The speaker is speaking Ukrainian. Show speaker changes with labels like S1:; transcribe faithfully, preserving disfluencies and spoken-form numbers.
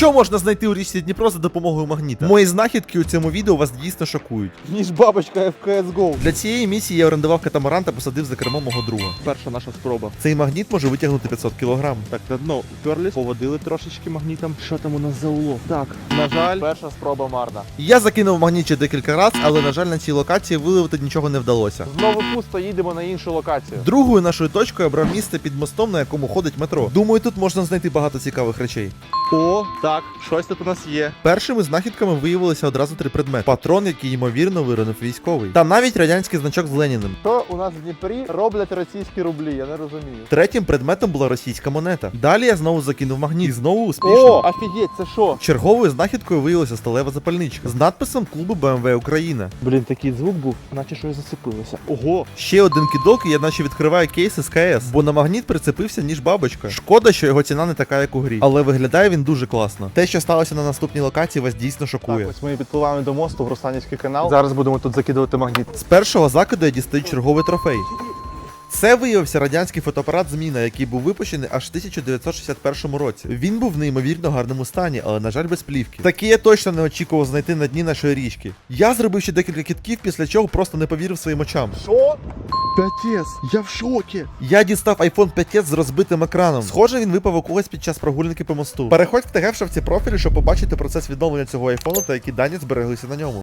S1: Що можна знайти у річці Дніпро за допомогою магніта? Мої знахідки у цьому відео вас дійсно шокують.
S2: Ніж бабочка в кей ес гоу.
S1: Для цієї місії я орендував катамаран та посадив за кермо мого друга.
S2: Перша наша спроба.
S1: Цей магніт може витягнути п'ятсот кілограм.
S2: Так, на дно вперлись, поводили трошечки магнітом. Що там у нас за улов? Так, на жаль, перша спроба марна.
S1: Я закинув магніт ще декілька разів, але, на жаль, на цій локації виловити нічого не вдалося.
S2: Знову пусто, їдемо на іншу локацію.
S1: Другою нашою точкою я брав місце під мостом, на якому ходить метро. Думаю, тут можна знайти багато цікавих речей.
S2: О, так, щось тут у нас є.
S1: Першими знахідками виявилися одразу три предмети. Патрон, який, ймовірно, виронив військовий. Та навіть радянський значок з Леніним.
S2: Що у нас в Дніпрі роблять російські рублі, я не розумію.
S1: Третім предметом була російська монета. Далі я знову закинув магніт. І знову
S2: О,
S1: успішно.
S2: офігеть, це що?
S1: Черговою знахідкою виявилася сталева запальничка з надписом клубу Б М В Україна.
S2: Блін, такий звук був, наче щось зацепилося. Ого.
S1: Ще один кидок, і я наче відкриваю кейс із К С, бо на магніт прицепився ніж бабочка. Шкода, що його ціна не така, як у грі. Але виглядає він дуже класно. Те, що сталося на наступній локації, вас дійсно шокує.
S2: Так, ось ми підпливаємо до мосту в Русланівський канал. Зараз будемо тут закидувати магніт.
S1: З першого закиду я дістаю черговий трофей. Це виявився радянський фотоапарат «Зміна», який був випущений аж в тисяча дев'ятсот шістдесят першому році. Він був в неймовірно гарному стані, але, на жаль, без плівки. Такий я точно не очікував знайти на дні нашої річки. Я зробив ще декілька кидків, після чого просто не повірив своїм очам.
S2: Що? п'ять ес, я в шокі.
S1: Я дістав айфон п'ять ес з розбитим екраном. Схоже, він випав у когось під час прогулянки по мосту. Переходь в ТГ в шапці профілю, щоб побачити процес відновлення цього айфону та які дані збереглися на ньому.